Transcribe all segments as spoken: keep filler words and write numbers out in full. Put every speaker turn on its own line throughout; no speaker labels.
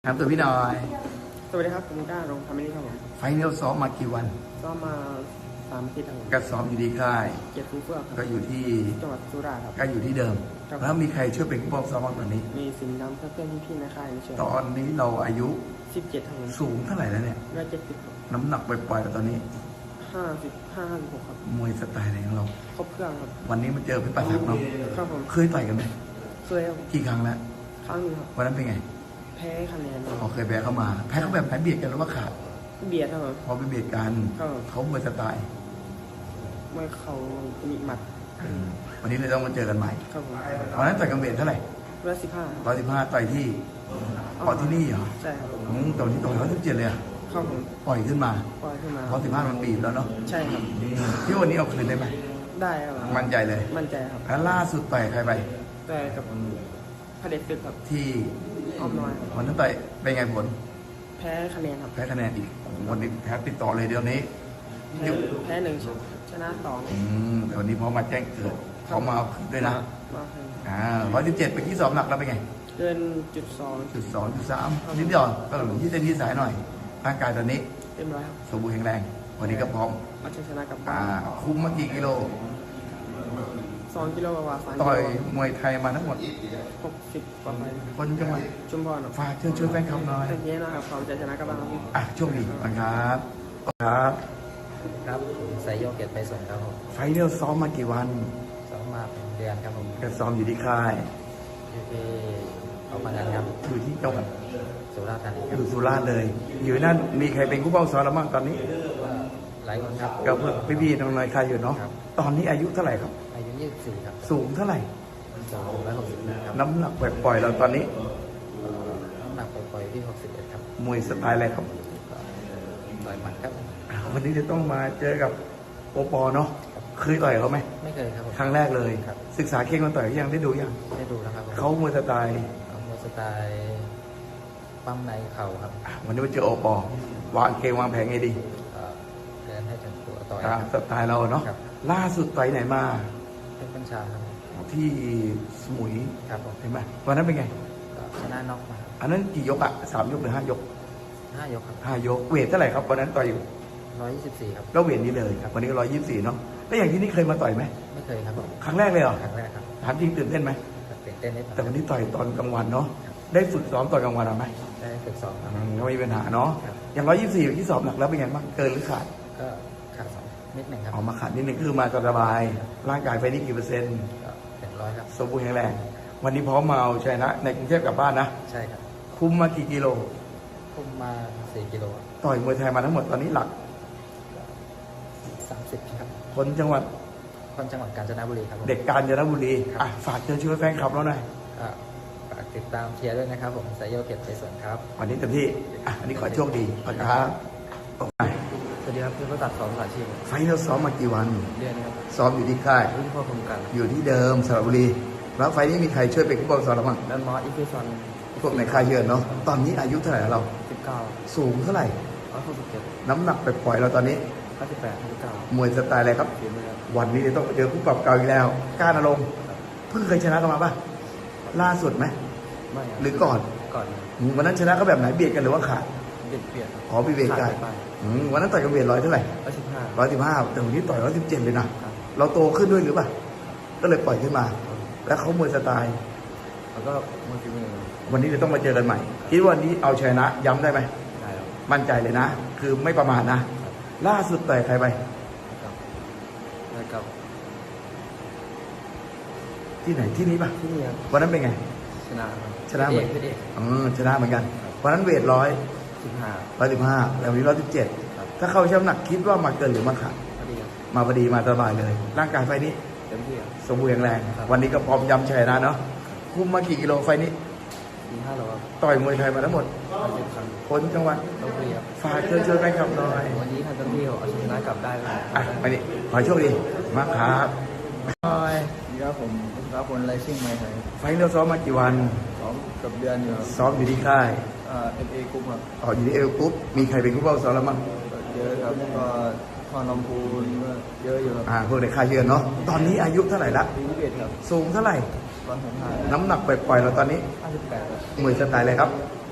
ครับตัวพี่หน่อย
สวัสดีครับผมก้ารงทำไม่ได้ครับผม
ไฟเนลซ้อมมากี่วัน
ซ้อมมาสามอาทิตย์ครับ
ก็ซ้อมอยู่ที่ค่าย
เกียรติฟูเฟื่อง
ก็อยู่ที่
จังหวัดสุราษฎร์ครับ
ก็อยู่ที่เดิมแล้วมีใครช่วยเป็นผู้ป้องซ้อมบ้างตอนนี้
มีสิงห์ดำเพื่อนๆพี่ๆในค่ายช่วย
ตอนนี้เราอายุ
สิบเจ็ดครับ
สูงเท่าไหร่แล้วเนี่ย
ร้อยเจ็ดสิบ
น้ำหนักปล่อยๆแล้วตอนนี้
ห้าสิบห้าห้าสิบหกครับ
มวยสไตล์ไหนของเรา
ครบเครื่องครับ
วันนี้มาเจอพี่ปัตตักเนาะ
ครับผม
เคยต่อยกันไหม
เคยครับ
กี่ครั้งแล้ว
ครั้งนึงครับ
วันนั้นเป็นไง
แพ้คะแนน
อ๋อเคยแพ้เข้ามาแพ้เขาแบบแพ้เบียดกันหรือว่าขาด
เบียดครับ
พอไปเบียดกันเขามวยสไตล์
ไม่เขามีหมัด
วันนี้เลยต้องมาเจอกันใหม่
ครับผม
วันนั้นต่อยกันเบียดเท่าไหร่
ร้อยสิบห้า
ร้อยสิบห้าต่อยที่ต่อยที่นี่เหรอ
ใช่ครับ
ตอนที่ต่อยร้อยสิบเจ็ดเลยอ่ะ
ครับผม
ปล่อยขึ้นมา
ปล่อยขึ้นมา
ร้อยสิบห้ามันบีบแล้วเนาะ
ใช่ครับ
ที่วันนี้เอาคืนได้ไหม
ได้ครับ
มั่นใจเลย
มั่นใจครับ
แล้วล่าสุดต่อยใครไป
ต่อยกับพระเดชศึกครับ
ที่
อ้อมน้อย
วันนั้นต่อยเป็นไงผล
แพ้คะแนนครับ
แพ้คะแนนอีกวันนี้แพ้ติดต่อเลยเดี๋ยวนี้
แพ้หนึ่งชนะสอง
อืมแต่วันนี้พอมาแจ้งเกิดเขามาด้วยนะอ่าร้อยสิบเจ็ดไปที่สอบหนักแล้วเป็นไง
เกินจุดสอง
จุดสองจุดสามนิดเดียวก็หลงที่เส้นที่สายหน่อยร่างกายตอนนี้
เต็มร้อยครับ
สมบูรณ์แข็งแรงวันนี้ก็พร้อม
มาชนะกับ
อ่าคุ้มมากี่กิโล
สองกิโลกว่า
ต่อยมวยไทยมาทั้งหมด
หกสิบกว่าไป
คนจังหวัด
ชุมพร
ฝากเชิญชวนแฟนคลับหน่อย
เยอะนะครับเขาจะชนะกับบ้าง
อ่ะโชคดีครับครับ
ครับสายโยกเกียรติไปส่งครับผม
ไฟเนลซ้อมมากี่วัน
ซ้อมมาเป็นเดือนครับผม
ก็ซ้อมอยู่ที่ค่าย
อยู่ที่เอามางานครับ
อยู่ที่จังหวัด
สุราษฎร์ธานี
อยู่สุราษฎร์เลยอยู่นั่นมีใครเป็นผู้ป้องซ้อมแล้วบ้างตอนนี้
หลายคนครับ
ก็เพื่อนพี่ๆน้องๆใครอยู่เนาะตอนนี้อายุเท่าไหร่ครับ
อายุยี่สิบสี่ครับ
สูงเท่าไหร่
สูงร้อยหกสิบครับ
น้ำหนักปล่อยๆเราตอนนี้
น้ำหนักปล่อยๆที่หกสิบเอ็ดครับ
มวยสไตล์อะไรครับ
ต่อยหมัดครับ
วันนี้จะต้องมาเจอกับโอปอเนาะเคยต่อยเขาไหม
ไม่เคยครับ
ครั้งแรกเลยศึกษาเก่งคนต่อยยังได้ดูยัง
ได้ดูแล้วครับ
เขามวยสไตล์
มวยสไตล์ปั้มในเข่าครับ
วันนี้มาเจอโอปอวางเกมวางแผงไงดี
เดินให้ถึงตัวต่อย
สไตล์เราเนาะล่าสุดต่อยไหนมา
เป็นปัญชาครับ
ที่สมุย
ครับ
เห็นไหมวันนั้นเป็นไง
ชนะน็อกมา
อันนั้นกี่ยกอะสามยกหรือห้ายก
ห้ายกครับ
ห้ายกเวทเท่าไหร่ครับวันนั้นต่อยอยู่
ร้อยยี่สิบสี่ครับ
แล้วเวทนี้เลยวันนี้ก็ร้อยยี่สิบสี่เนาะแล้วอย่างที่นี่เคยมาต่อยไหม
ไม่เคยครับ
ครั้งแรกเลยเหรอ
ครั้งแรกครับ
ถามจริงตื่นเต้นไหม
ตื่นเต้นนิด
แต่วันนี้ต่อยตอนกลางวันเนาะได้ฝึกซ้อมตอนกลางวันหรือไม่
ได้ฝึกซ้อมครับ
ก็ไม่มีปัญหาเนาะอย่างร้อยยี่สิบสี่ที่สอบหนักแล้วเป็นไงบ้างเกินหรือขาด
ก็ขาดสองนิดหนึ่งครับ
ออกมาขาดนิดหนึ่งคือมาสบายร่างกายไปนี่กี่เปอร์เซ็นต์
เป็นร้อยครับ
สมบูรณ์แข็งแรงวันนี้พร้อมมาเอาชนะในกรุงเทพกลับบ้านนะ
ใช่ครับ
คุ้มมากี่กิโล
คุ้มมาสี่กิโล
ต่อยมวยไทยมาทั้งหมดตอนนี้หลัก
สามสิบครับ
คนจังหวัด
คนจังหวัดกาญจนบุรีครับ
เด็กกาญจนบุรีอ่ะฝากเชิญชวนแฟนคลับเราหน่อย
ฝากติดตามเชียร์ด้วยนะครับผมสายโยเกียรติไปส่วนครับ
วันนี้เต็มที่อ่ะอันนี้ขอโชคดีครับ
สวัสดีครับคือประตัดสองสาชีพ
ไฟเราซ้อมมากี่วัน
เดือนครับ
ซ้อมอยู่ที่ค่าย
รุ่นพ่อคมกัน
อยู่ที่เดิมสระบุรีแล้วไฟนี้มีใครช่วยเป็นผู้ป้องซ้อมเราบ้าง
แล้วมอสอีฟิซอน
พวกในค่ายเยอะเนาะตอนนี้อายุเท่าไหร่เรา
สิบเก้า
สูงเท่าไหร่
ร้อยหกสิบเจ็ด
น้ำหนักไปปล่อยเราตอนนี้
ห้าสิบแปดห้าสิบเก้าม
วยสไตล์อะไรครับวันนี้จะต้องเจอผู้ปรับเก่าอีกแล้วก้านอารมณ์เพิ่งเคยชนะกันมาป่ะล่าสุดไหม
ไม่
หรือก่อน
ก่อน
วันนั้นชนะก็แบบไหนเบียดกันหรือว่าขาด
เบียดเบียด
อ๋อเบียดกันวันนั้นต่อยกันเบียดร้อยเท่าไหร่
ร้อยสิบห้า
ร้อยสิบห้าแต่วันนี้ต่อยร้อยสิบเจ็ดเลยนะเราโตขึ้นด้วยหรือเปล่าก็เลยปล่อยขึ้นมาแล้วเขามวยสไตล์
แล้วก็มวยฝีมือ
วันนี้จะต้องมาเจอกันใหม่คิดว่าวันนี้เอาชนะย้ำได้ไหม
ได้ครับ
มั่นใจเลยนะคือไม่ประมาทนะล่าสุดต่อยใครไป
ได้ครับ
ที่ไหนที่นี้ป่ะ
ที่นี่ครับ
วันนั้นเป็นไง
ชนะ
ชนะเหมือนอืมชนะเหมือนกันวันนั้นเวทร้อย
สิบห้า
ร้อยสิบห้าแล้ววันนี้ร้อยสิบเจ็ดถ้าเข้าช่ำหนักคิดว่ามาเกินหรือมาขาดมาพอดีมาสบายเลยร่างกายไฟนี้
เต็มที่
สมบูรณ์แข็งแรงวันนี้ก็พร้อมย้ำชัยนะเนาะคุ้มมากี่กิโลไฟนี้
สี่ห้าโล
ต่อยมวยไทยมาทั้งหมดคนจังหวัด
ลพบุรี
ฝากเชิญชวนแฟนคลับหน่อย
วันนี้ทางเจ้าหน้าที่เอาชนะกลับได้เลย
อ่ะไปดิขอโชคดีมากครับ
บายดีครับผมครับผลไรชิ่งไม่ไทย
ไฟเราซ้อมมากี่วัน
ซ้อมกับเดือนอยู่
ซ้อมอยู่ที่ค่าย
เอ่อเอฟเอกรุ๊ปครับ
อ๋ออยู่ที่เอฟกรุ๊ปมีใครเป็นผู้ป้องซ้อมแล้วมั้ง
เยอะครับก็พอนมพูนเยอะอยู่ครับ
อ่าพวกในค่ายเยอะเนาะตอนนี้อายุเท่าไหร่ละ
ยี่สิบเอ็ดครับ
สูงเท่าไหร่
ร้อยหกสิบห้า
น้ำหนักปล่อยๆเราตอนนี้
ห้าสิบแปดครับ
มวยสไตล์อะไรครับ
ย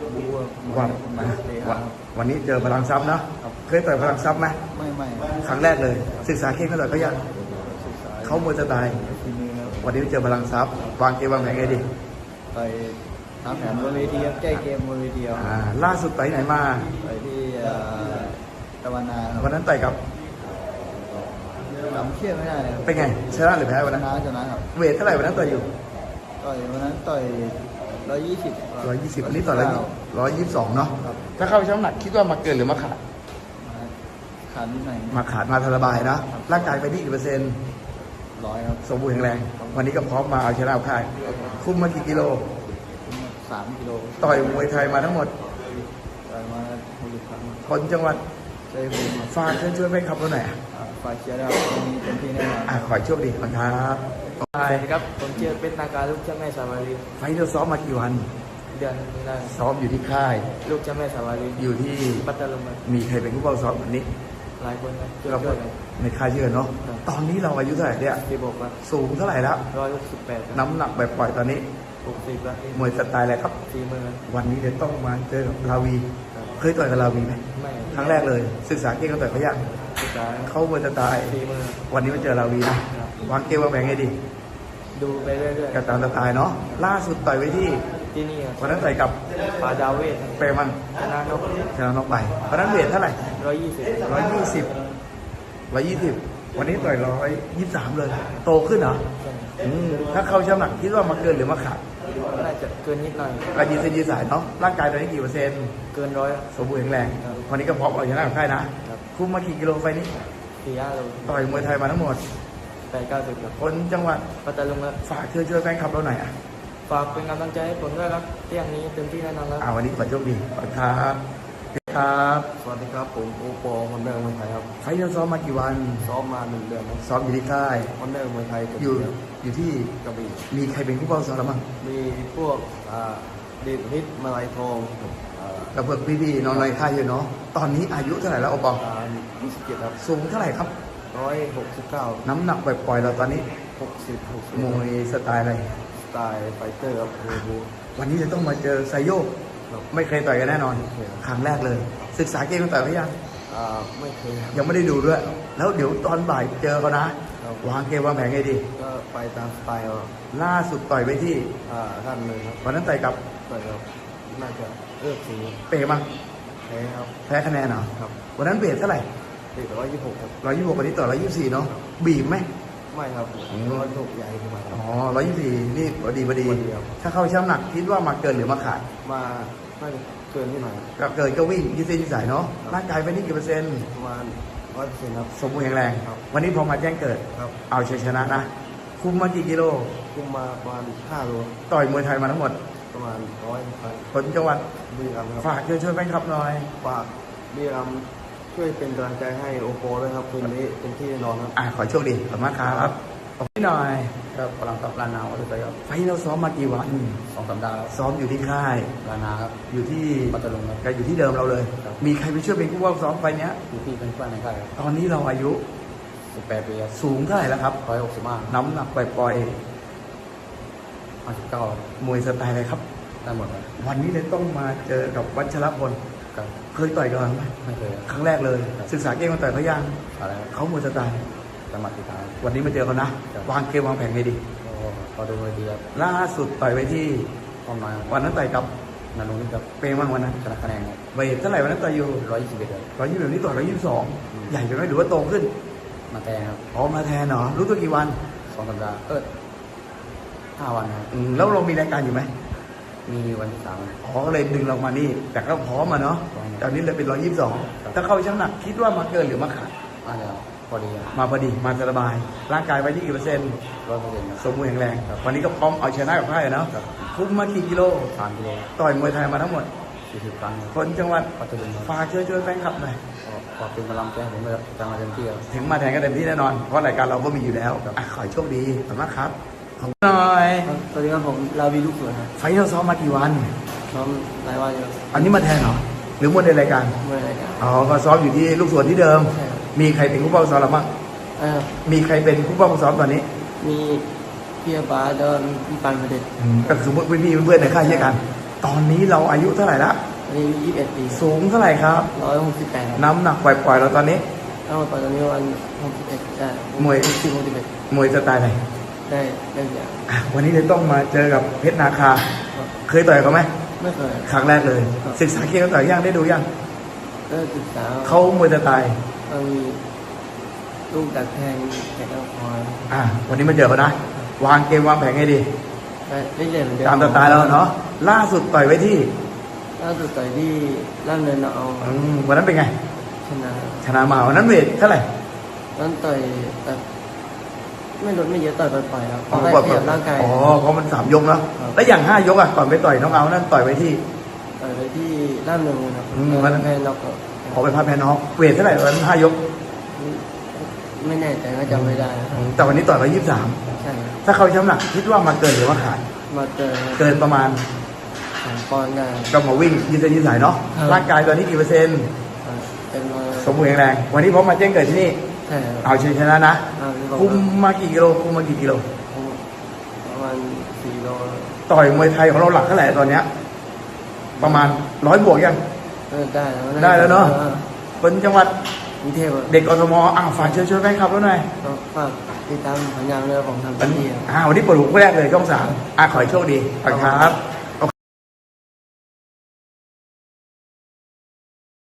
บู๊
ว่า
มา
อ่ะ
เตะ
ว่า
ขา
วันนี้เจอพลังทรัพย์เนาะ
ครับ
เคยต่อยพลังทรัพย์ไหม
ไม่ไม่
ครั้งแรกเลย ศึกษาเก่งก็ต่อยก็ยัง
ศึกษา
เขามวยจะตาย
ฝีมือครับ
วันนี้เจอพลังทรัพย์วางเกมวางแผนไงดี
ไปตามแผนบนเวทีครับแก้เกมบนเวทีครับ
อ่าล่าสุดต่อยไหนมา
ไปที่เอ่อตะวันนาค
วั
รับ
นนั้นต่อยกับ
จำเชื่อไม่ได้ครับ
เป็นไงชนะหรือแพ้วัน
ช
นั้น
นะชนะครับ
เวทเท่าไหร่วันนั้นต่อยอยู่
ต่อยวันนั้นต่อยร้อยยี่สิบ
ร้อยยี่สิบวันนี้ต่อยร้อยร้อยยี่สิบสองเนาะถ้าเข้าช่ำหนักคิดว่ามาเกินหรือมาขาด
ขาดนิดหน่อย
มาขาดมาสบายนะร่างกายไปที่กี่เปอร์เซ็นต์
ร้อยครับ
สมบูรณ์แข็งแรง วันนี้ก็พร้อมมาเอาชนะเอาค่ายคุมมากี่กิโล
สามกิโล
ต่อยมวยไทยมาทั้งหมด
ต่อยมาหกสิบครั้ง
คนจังหวัด
ใช่ผมครับ
ฝากเชิญชวนไปขับรถหน่อยอ่ะ
อ่าฝ่ายเชียร์ได้ครับวันนี้เต็มที่แน่นอน
อ่ะขอให้โชคดีก่อนครับไป
สวัสดีครับผมเชื่อเป็นนาการลูกเจ้าแม่สาวารี
ไฟท์เราซ้อมมากี่วัน
เดือนนี้ได้
ซ้อมอยู่ที่ค่าย
ลูกเจ้าแม่สาวารี
อยู่ที่
ปัตตานี
มีใครเป็นผู้เฝ้าซ้อมวันนี้
หลายคนครับช่วย
เรา
ช่วยกัน
ในค่ายเชื่อเนาะ
ครับ
ตอนนี้เราอายุเท่าไหร่เนี่ย
ที่บอกว่า
สูงเท่าไหร่แล้ว
ร้อยหกสิบแปด
น้ำหนักแบบปล่อยตอนนี้
หกสิบแล้ว
มวยสไตล์อะไรครับ
สี่หมื่น
วันนี้เดี๋ยวต้องมาเจอกับลาวี
ครับ
เคยต่อยกับลาวีไหม
ไม่
ครั้งแรกเลย ศึกษาเก่งก็ต่อยเขายาก
ศึกษา
เขามวยสไตล์
สี่หมื่น
วันนี้มาเจอลาวีนะ
ครับ
วางเกมวางแผนไงดี
ดูไปเรื่อย
กับตามสไตล์เนาะ ล่าสุดต่อยไว้ที่
ๆที่นี่ครับ
วันนั้นต่อยกับ
ป่าดาวเวท
เปรมัน
ชนะนก
ชนะน็อกไปวันนั้นเวทเท่าไหร่
ร้อยยี่สิบ
ร้อยยี่สิบร้อยยี่สิบวันนี้ต่อยร้อยยี่สิบสามเลย โตขึ้นเหรออืมถ้าเข้าช่ำหนักคิดว่ามาเกินหรือมาขาด
น่าจะเกินนิดหน่อย
กระยีเส้นยีสายเนาะ ร่างกายตอนนี้กี่เปอร์เซ็นต์
เกินร้อย
สมบูรณ์แข็งแรง
ครับ
วันนี้ก็พร้อมเอาชนะกับค่ายนะ
ครับ
คุมมากี่กิโลไฟนี้
สี่ห้าโล
ต่อยมวยไทยมาทั้งหมด
แปดเก้าสิบครับ
คนจังหวัด
ปัตตานีครับ
ฝากเชิญช่วยแฟนคลับเราหน่อยอ่ะ
ฝากเป็นกำลังใจให้ผมด้วยครับเที่ยงนี้เต็มที่แน่นอนครับ
อ่าวันนี้ขอโชคดีขอบคุณครับครับ
สวัสดีครับผมโอปอคนเดิมเมืองไทยครับ
ไฟท์เราซ้อมมากี่วัน
ซ้อมมาหนึ่งเดือนครับ
ซ้อมอยู่ที่ค่าย
คนเดิมเมืองไทย
อยู่อยู่ที่
กระบี่
มีใครเป็นผู้เฝ้าซ้อมเราบ้าง
มีพวกอ่าเดชฮิตมาลายทองอ่า
กับเพื่อนพี่ๆน้องๆค่ายอยู่เนาะ ตอนนี้อายุเท่าไหร่แล้วโอปอ
อ่ายี่สิบเจ็ดครับ
สูงเท่าไหร่ครับ
ร้อยหกสิบเก้า
น้ำหนักปล่อยๆเราตอนนี้
หกสิบหกสิบ
มวยสไตล์อะไร
สไตล์ไฟเตอร์ครับโอ้โห
วันนี้จะต้องมาเจอไซโยก
ครับ
ไม่เคยต่อยกันแน่นอน
ไม่เคย
ครั้งแรกเลย ศึกษาเกมกันต่อยเขายัง
อ่าไม่เคยครับ
ยังไม่ได้ดูด้วย แล้วเดี๋ยวตอนบ่ายเจอเขานะ
ครับ
วางเกมวางแผนไงดี
ก็ไปตามสไตล์ครับ
ล่าสุดต่อยไปที่
อ่าท่านเลยครับ
วันนั้นต่อยกับ
ต่อยครับน่าจะเลือกสี
เปมั้ง
แพ้ครับ
แพ้คะแนนเหรอ
ครับ
วันนั้นเบสเท่าไหร่
เด็กร้อยยี่สิบหกครับ
ร้อยยี่สิบหกวันนี้ต่อร้อยยี่สิบสี่เนาะ บีบไหม
ไม่ครับ
อืม
ร้อยหกใหญ่ขึ้นมาครั
อ๋
บ
อร้อยยี่สิบสี่นี่พอดีพอดี
พอดีครับ
ถ้าเข้าช่ำหนักคิดว่ามาเกินหรือมาขาด
มาน่าจะเกินที่หน่อย
ก็เกินก็วิ่งยี่สิบยี่สายเนาะ ร่างกายไปนี่กี่เปอร์เซ็นต์
ประมาณร้อยเปอร์เซ็นต์ครับ
สมบูรณ์แข็งแรง
ครับ
วันนี้พอมาแจ้งเกิด
ครับ
เอาชัยชนะนะ คุมมากี่กิโล
คุมมาประมาณห้าโล
ต่อยมวยไทยมาทั้งหมด
ประมาณร้อยครับ
คนจังหวัด
บุรีรัมย์ครับ
ฝากเชิญชวนแฟนคลับหน่อย
ฝากบุรีรัมย์ช่วยเป็นกำลังใจให้โอโปด้วยครับคืนนี้เป็นที่แน่นอนครับ
อ่ะขอโชคดีขอบคุณมากครับขอบคุณหน่อย
ก็กำลังกับลานาวัตถุประสงค์
ไฟท์เราซ้อมมากี่วัน
สองสัปดาห์ครับ
ซ้อมอยู่ที่ค่าย
ลานาครับ
อยู่ที่
ปัตตานีครับ
ก็อยู่ที่เดิมเราเลย
ครับ
มีใครไปช่วยเป็นผู้ว่าซ้อมไฟท์เนี้ย
อยู่ที่เป็นเพื่อนในค่ายครับ
ตอนนี้เราอายุ
สิบแปดปีครับ
สูงเท่าไหร่แล้วครับ
ร้อยหกสิบห้า
น้ำหนักปล่อย
ห้าสิบเก้าม
วยสไตล์อะไรครับ
ได้หมดครับ
วันนี้เลยต้องมาเจอกับวัชรพล
ครับ
เคยต่อยกันไหม
ไม่เคยครับ
ครั้งแรกเลย ศึกษาเกมมาต่อยเขายัง
อะไรครับ
เขามวยสไตล์
จังหวัดติดตาม
วันนี้มาเจอเขานะ
ครับ
วางเกมวางแผนไงดี
ก็พอดูเลยดีครับ
ล่าสุดต่อยไปที่
อ้อมน้อยครับ
วันนั้นต่อยกับ
นานุนิครับ
เปย์มั่งวันนั้น
ชนะคะแนนครับ
เวทเท่าไหร่วันนั้นต่อยอยู่
ร้อยยี่สิบเอ็ดครับ
ร้อยยี่สิบแบบนี้ต่อยร้อยยี่สิบสอง
อืม
ใหญ่ไปไหมหรือว่าโตขึ้น
มาแทนครับ
อ๋อมาแทนเหรอรู้ตัวกี่วัน
สองสัปดาห์เออห้าวันครับ
อืมแล้วเรามีรายการอยู่ไหม
มีวันที่สามครับ
อ๋อก็เลยดึงเรามานี่ แต่ก็พร้อมมาเนาะ
พร้อม
ตอนนี้เลยเป็นร้อยยี่สิบสอง
ครับ
ถ้าเข้าช่างหนักคิดว่ามาเกินหรือมาขาด
น่าจะพอดีครับ
มาพอดีมาสบาย ร่างกายไปที่กี่เปอร์เซ็นต์
ร้อยเปอร์เซ็นต์ครับ
สมบูรณ์แข็งแรง วันนี้ก็พร้อมเอาชนะกับพ่ายเนาะ
ครับ
คุ้มมากี่กิโล
สามกิโล
ต่อยมวยไทยมาทั้งหมด
สี่สิบครั้งครับ
คนจังหวัด
ปัตตานีครับ
ฝากเชิญชวนแฟนคลับหน่อย
ก็ขอบเป็นกำลังใจให้ผมเลยครับจะมาเต็มที่ครับ
ถึงมาแทนก็เต็มที่แน่นอน เพราะรายการเราก็มีอยู่แล้วอ่ะขอให้โชคดีขอบคุณมากครับขอบคุณหน่อย
สวัสดีครับผมลาวีลูกสวนครับ
ไฟท์เราซ้อมมากี่วัน
ซ้อมหลายวันอยู่
อันนี้มาแทนเหรอ หรือมวยในรายการ
เมื่อไรกัน
อ๋อ ก็ซ้อมอยู่ที่ลูกสวนที่เดิม
ใช่ครับ
มีใครเป็นผู้เป้าซ้อมเราบ้าง
เออ
มีใครเป็นผู้เป้าซ้อมตอนนี้
มีพี่บาเดินพี่ปันประเด็น
อืมก็คือพวกพี่ๆเพื่อนๆในค่ายเช่นกันตอนนี้เราอายุเท่าไหร่ละ
อันนี้ยี่สิบเอ็ดปี
สูงเท่าไหร่ครับ
ร้อยหกสิบแปด
น้ำหนักปล่อยๆเราตอนนี้
เอาตอนนี้วันหกสิบเอ็ดได้
มวย
สิบหกสิบเอ็ด
มวยสไตล์ไหน
ได้ได้อย่าง
อ่ะวันนี้เลยต้องมาเจอกับเพชรนาคา
ครับ
เคยต่อยเขาไหม
ไม่เคย
ครั้งแรกเลย
ครับ
ศึกษาเกมต่อยย่างได้ดูยัง
ก็ศึกษา
เขามวยสไตล์
มันมีลูกดักแทงแขนเอาคอย
อ่ะวันนี้มาเจอเขานะ วางเกมวางแผนให้ดี
ได้เรื่อยๆเหมือนเดิม
ตามสไตล์เราเนาะล่าสุดต่อยไว้ที่
ล่าสุดต่อยที่ล่ามเนินเอา
อืมวันนั้นเป็นไง
ชนะ
ชนะมาวันนั้นเวทเท่าไหร่
นั้นต่อยแบบไม่ลดไม่เยอะต่อยปล่อยๆครับเพ
อ๋อ
ราะได้เปรียบร่างกาย
อ๋อเพราะมันสามยกแล้ว
ครับ
แล้วอย่างห้ายกอ่ะก่อนไปต่อยน้องเอานั่นต่อยไว้ที่
ต่อยไปที่ล่ามเนินครับ
อืมวันนั้น
แพ้น็อก
ขอไปพักแพ้น้องเวทเท่าไหร่วันนั้นห้ายก
ไม่แน่ใจก็จำไม่ได้ครับ
อืมแต่วันนี้ต่อยร้อยยี่สิบสาม
ใช่ครับ
ถ้าเขาช้ำหนักคิดว่ามาเกินหรือว่าขาด
มาเจอ
เกินประมาณ
สามปอนด์ได้
ก็มาวิ่งยืดเส้นยืดสายเนาะ
ครับ
ร่างกายตอนนี้กี่เปอร์เซ็นต์
ครับเป็นมา
สมบูรณ์แข็งแรง วันนี้พร้อมมาแจ้งเกิดที่นี่
ใช่ครับ
เอาชัยชนะนะ
อ่านี่บอก
คุม
ว่า
มากี่กิโลคุมมากี่กิโล
ประมาณสี่โล
ต่อยมวยไทยของเราหลักเท่าไหร่ตอนเนี้ยประมาณร้อยบวกยัง
เออได้แล้ว
ได้แล้วเนอะ
ออ
คนจังหวัด
กรุงเทพอะ
เด็กกทมอ่ะฝากเชิญชวนแฟนคลับแล้วหน่อย
ก็ฝากติดตามผลงานเรื่องของทาง
วัน
ที่
นี้อ่าวันนี้เปิดหัวคู่แรกเลยช่องสามอ่ะขอให้โชคดีขอบคุณครับ